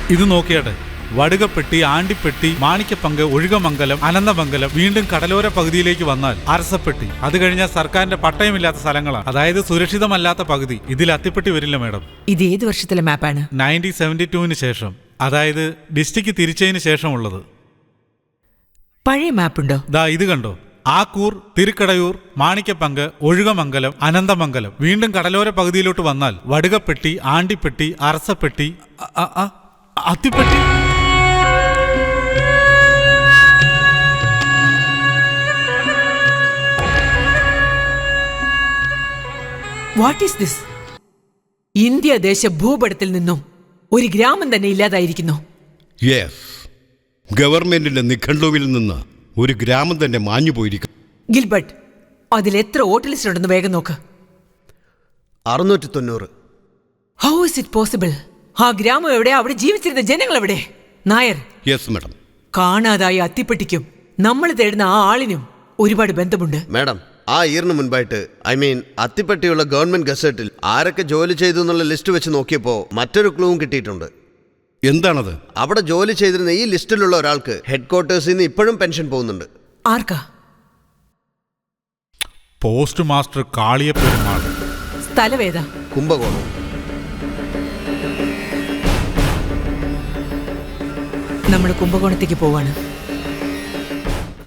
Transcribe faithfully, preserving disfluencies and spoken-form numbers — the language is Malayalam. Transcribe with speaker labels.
Speaker 1: ഇത് നോക്കിയാട്ടെ, വടുകപ്പെട്ടി, ആണ്ടിപ്പെട്ടി, മാണിക്കപ്പങ്ക്, ഒഴുകമംഗലം, അനന്തമംഗലം, വീണ്ടും കടലോര പകുതിയിലേക്ക് വന്നാൽ അരസപ്പെട്ടി. അത് കഴിഞ്ഞാൽ സർക്കാരിന്റെ പട്ടയമില്ലാത്ത സ്ഥലങ്ങളാണ്, അതായത് സുരക്ഷിതമല്ലാത്ത പകുതി. ഇതിൽ അത്തിപ്പെട്ടി വരില്ല മാഡം.
Speaker 2: ഇത് ഏത് വർഷത്തിലെ മാപ്പാണ്?
Speaker 1: നയൻറ്റീൻ സെവന്റി ടൂവിന് ശേഷം, അതായത് ഡിസ്ട്രിക്ട് തിരിച്ചതിന് ശേഷമുള്ളത്.
Speaker 2: പഴയ മാപ്പുണ്ടോ?
Speaker 1: ദാ ഇത് കണ്ടോ, ആക്കൂർ, തിരുക്കടയൂർ, മാണിക്കപ്പങ്ക്, ഒഴുകമംഗലം, അനന്തമംഗലം, വീണ്ടും കടലോര പകുതിയിലോട്ട് വന്നാൽ Vadukapatti, Andipatti, Arasapatti, Athipatti.
Speaker 2: What is this? India ദേശ ഭൂപടത്തിൽ നിന്നും ഒരു ഗ്രാമം തന്നെ ഇല്ലാതായിരിക്കുന്നു.
Speaker 3: യെസ്, ഗവൺമെന്റിന്റെ നിഘണ്ടുവിൽ നിന്ന് ഒരു ഗ്രാമം തന്നെ മാഞ്ഞു പോയിരിക്കും.
Speaker 2: ഗിൽബർട്ട്, അതിൽ എത്ര വോട്ട് ലിസ്റ്റ് ഉണ്ടെന്ന് വേഗം നോക്ക്.
Speaker 4: അറുന്നൂറ്റി തൊണ്ണൂറ്.
Speaker 2: How is it possible? ആ ഗ്രാമം എവിടെ? അവിടെ ജീവിച്ചിരുന്ന ജനങ്ങൾ എവിടെ? Nair,
Speaker 3: yes madam.
Speaker 2: കാണാതായ അത്തിപ്പെട്ടിക്കും നമ്മൾ തേടുന്ന ആ ആളിനും ഒരുപാട് ബന്ധമുണ്ട്.
Speaker 4: മാഡം, ആ ഇയറിന് മുൻപായിട്ട്, ഐ മീൻ അത്തിപ്പട്ടിയുള്ള ഗവൺമെന്റ് ഗസറ്റിൽ ആരൊക്കെ ജോലി ചെയ്തു എന്നുള്ള ലിസ്റ്റ് വെച്ച് നോക്കിയപ്പോൾ മറ്റൊരു ക്ലൂവും കിട്ടിയിട്ടുണ്ട്.
Speaker 3: എന്താണത്?
Speaker 4: അവിടെ ജോലി ചെയ്തിരുന്ന ഈ ലിസ്റ്റിലുള്ള ഒരാൾക്ക് ഹെഡ് ക്വാർട്ടേഴ്സിൽ നിന്ന് ഇപ്പോഴും പെൻഷൻ പോകുന്നുണ്ട്.
Speaker 2: ആർക്കാ?
Speaker 1: Post master Kaliya Perumal.
Speaker 2: സ്ഥലവേദ?
Speaker 4: കുംഭകോണം.
Speaker 2: നമ്മൾ കുംഭകോണത്തേക്ക് പോവാണ്.